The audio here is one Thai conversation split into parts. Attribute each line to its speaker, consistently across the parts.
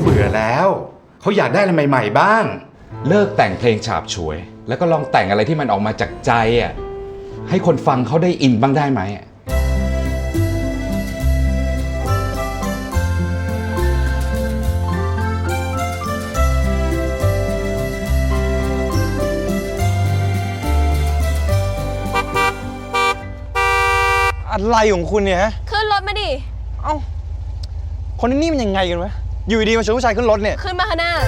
Speaker 1: บื่อแล้วเขาอยากได้อะไรใหม่ๆบ้างเลิกแต่งเพลงฉาบฉวยแล้วก็ลองแต่งอะไรที่มันออกมาจากใจอ่ะให้คนฟังเขาได้อินบ้างได้ไหม
Speaker 2: อะไรของคุณเนี่ยฮะ
Speaker 3: ขึ้นรถมาดิ
Speaker 2: เอ้าคนนี้มันยังไงกันวะอยู่ดีมาชวนผู้ชายขึ้นรถเนี่ย
Speaker 3: ขึ้นมาข้างหน้า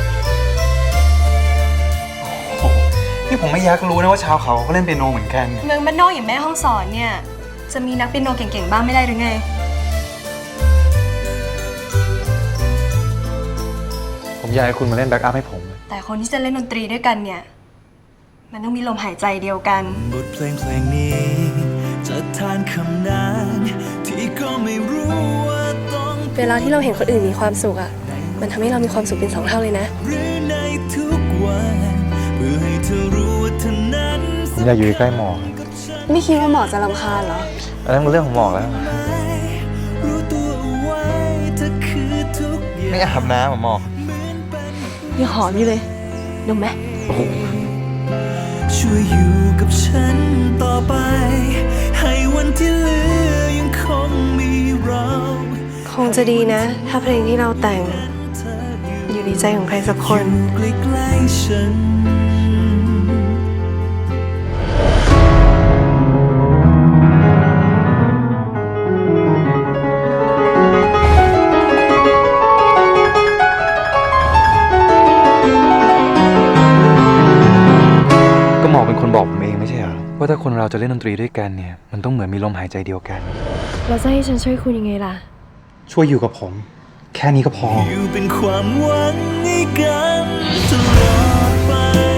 Speaker 2: นี่ผมไม่อยากรู้นะว่าชาวเขาเล่นเปียโนเหมือนกัน
Speaker 3: เมืองบ้านนอกอย่างแม่ห้องสอนเนี่ยจะมีนักเปียโนเก่งๆบ้างไม่ได้หรือไง
Speaker 2: ผมอยากให้คุณมาเล่นแบ็กอัพให้ผม
Speaker 3: แต่คนที่จะเล่นดนตรีด้วยกันเนี่ยมันต้องมีลมหายใจเดียวกัน
Speaker 4: บทเพลงนี้จะทานคำนานที่ก็ไม่รู้ว่าต้อง
Speaker 3: เวลาที่เราเห็นคนอื่นมีความสุขอะมันทำให้เรามีความสุขเป็น2 เท่าเลยนะ
Speaker 4: หรือในทุกวันเพื่อให้เธอรู้ว่าเธอนั้น
Speaker 2: ผมอยากอยู่ใกล้หมอก
Speaker 3: ไม่คิดว่าหมอจะรำคาญเหรอ
Speaker 2: อันนั้นมันเรื่องของหมอกแล้ว
Speaker 4: รู้ตัวไว้เธอคือทุกอย่าง
Speaker 2: ไม่อาบน้ำหมอก
Speaker 3: ยังหอมอยู่เลยดมไหม
Speaker 4: ช่วยอยู่กับฉันต่อไปให้วันที่เหลือยังคงมีเรา
Speaker 3: คงจะดีนะถ้าเพลงที่เราแต่งอยู่ในใจของใครสักคน
Speaker 4: ใกล้ๆฉัน
Speaker 2: หมอกเป็นคนบอกผมเองไม่ใช่เหรอว่าถ้าคนเราจะเล่นดนตรีด้วยกันเนี่ยมันต้องเหมือนมีลมหายใจเดียวกัน
Speaker 3: เราจะให้ฉันช่วยคุณยังไงล่ะ
Speaker 2: ช่วยอยู่กับผมแค่นี้ก็พอ
Speaker 4: อยู่เป็นความหวังให้กันตลอดไป